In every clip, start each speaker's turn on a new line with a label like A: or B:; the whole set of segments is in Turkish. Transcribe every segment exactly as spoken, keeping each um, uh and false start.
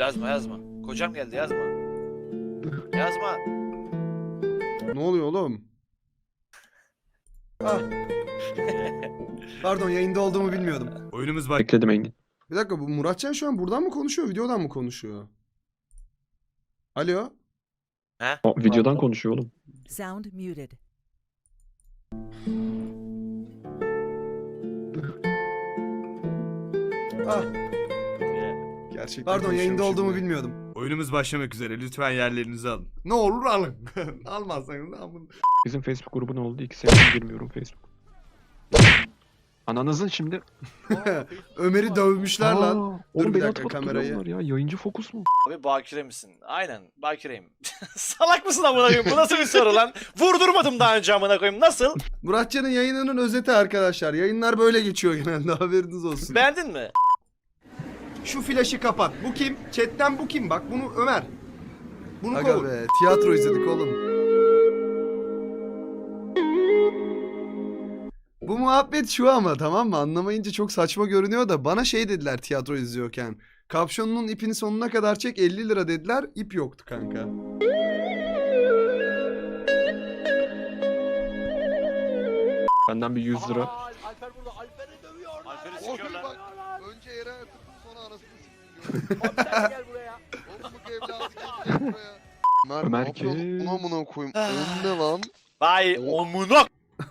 A: Yazma yazma. Kocam geldi yazma. Yazma.
B: Ne oluyor oğlum? Ah. Pardon, yayında olduğumu bilmiyordum.
C: Oyunumuz bak.
D: Bekledim Engin.
B: Bir dakika, bu Muratcan şu an buradan mı konuşuyor, videodan mı konuşuyor? Alo?
D: O, videodan konuşuyor oğlum.
E: Sound muted.
B: Ah. Gerçekten Pardon, yayında
C: konuşuyormuşum
B: olduğumu
C: ben.
B: bilmiyordum.
C: Oyunumuz başlamak üzere. Lütfen yerlerinizi alın.
B: Ne olur alın. Almazsanız alın.
D: Bizim Facebook grubu ne oldu? İki senedir girmiyorum Facebook. Ananızın şimdi.
B: Ömer'i dövmüşler lan.
D: Aa,
B: Dur
D: oğlum
B: bir
D: beni
B: dakika,
D: atıp
B: kamerayı.
D: kamerayı. Ya yayıncı fokus mu?
A: Abi bakire misin? Aynen bakireyim. Salak mısın amına koyayım? Bu nasıl bir soru lan? Vurdurmadım daha önce amına koyayım. Nasıl?
B: Muratcan'ın yayınının özeti arkadaşlar. Yayınlar böyle geçiyor genelde, haberiniz olsun.
A: Beğendin mi?
B: Şu flaşı kapat. Bu kim? Chatten bu kim? Bak bunu Ömer. Bunu Aga be, tiyatro izledik oğlum. Bu muhabbet şu ama, tamam mı? Anlamayınca çok saçma görünüyor da bana şey dediler tiyatro izliyorken. Kapşonunun ipini sonuna kadar çek, elli lira dediler. İp yoktu kanka.
D: Benden bir yüz lira.
A: Alper burada. Alper'i dövüyor. Alper'i
F: Oğlum
A: sikiyorlar.
F: bak, önce yere atıp sonra anasını sikiyor.
A: Abi sen gel buraya.
F: Oğlum bu evladı gel buraya. Ömer,
D: Ömer
F: ne yapıyorsun?
D: kim?
F: Buna amına koyayım. Önüne lan.
A: Vay omuna.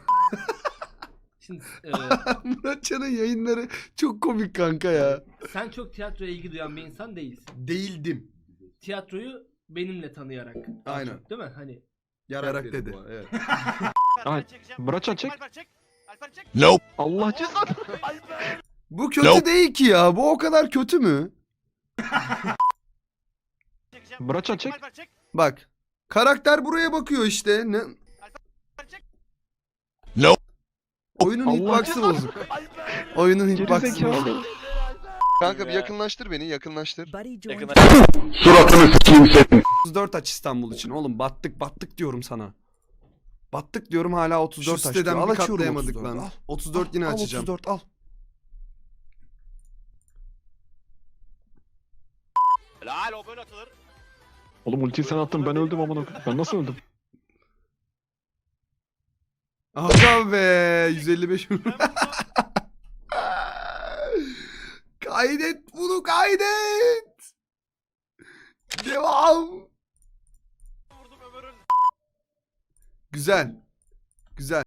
G: Şimdi e,
B: Muratcan'ın yayınları çok komik kanka ya.
G: sen çok tiyatroya ilgi duyan bir insan değilsin.
B: Değildim.
G: Tiyatroyu benimle tanıyarak. daha
B: Aynen.
G: çok, değil mi? Hani
B: Yarak dedi. Evet.
D: Ay, Muratcan çek.
A: Alper çek. Alper çek.
D: Allah cezanı.
B: Bu kötü değil ki ya. Bu o kadar kötü mü?
D: Muratcan çek.
A: Alper çek.
B: Bak. Karakter buraya bakıyor işte. Ne?
A: çek.
B: Oyunun
D: Allah
B: hitbox'ı
D: cezanı.
B: bozuk. Oyunun
D: Geri
B: hitbox'ı bozuk.
D: zekalı.
F: Kanka bir yakınlaştır beni, yakınlaştır.
E: Buddy joined.
A: Yakına.
B: otuz dört aç İstanbul için. Oğlum battık battık diyorum sana. Battık diyorum, hala otuz dört
F: Şu
B: aç.
F: siteden
B: Al
F: bir
B: açıyorum
F: katlayamadık
B: otuz dört.
F: lan.
B: Al. otuz dört yine
F: Al,
B: açacağım.
F: otuz dört al.
A: Helal o böyle atılır.
D: Oğlum ultiyi sen attın, ben öldüm amına koyayım. Ben nasıl öldüm?
B: Aga be, yüz elli beş. Kaydet bunu, kaydet. Devam.
A: Vurdum Ömer'in.
B: Güzel. Güzel.